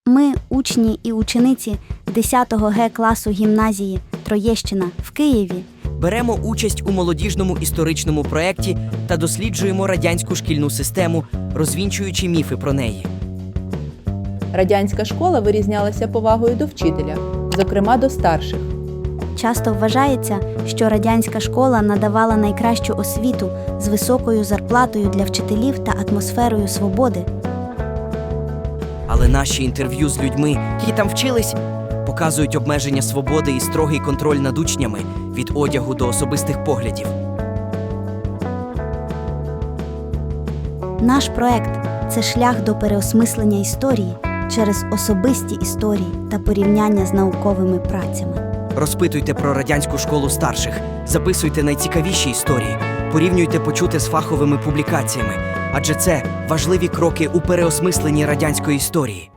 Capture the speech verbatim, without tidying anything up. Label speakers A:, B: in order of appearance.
A: Ми, учні і учениці десятого Г класу гімназії Троєщина в Києві,
B: Беремо участь у молодіжному історичному проєкті та досліджуємо радянську шкільну систему, розвінчуючи міфи про неї.
C: Радянська школа вирізнялася повагою до вчителя, зокрема до старших.
A: часто вважається, що радянська школа надавала найкращу освіту з високою зарплатою для вчителів та атмосферою свободи.
B: Але наші інтерв'ю з людьми, які там вчились, показують обмеження свободи і строгий контроль над учнями від одягу до особистих поглядів.
A: Наш проект – це шлях до переосмислення історії через особисті історії та порівняння з науковими працями.
B: Розпитуйте про радянську школу старших, записуйте найцікавіші історії, порівнюйте почуте з фаховими публікаціями, адже це важливі кроки у переосмисленні радянської історії.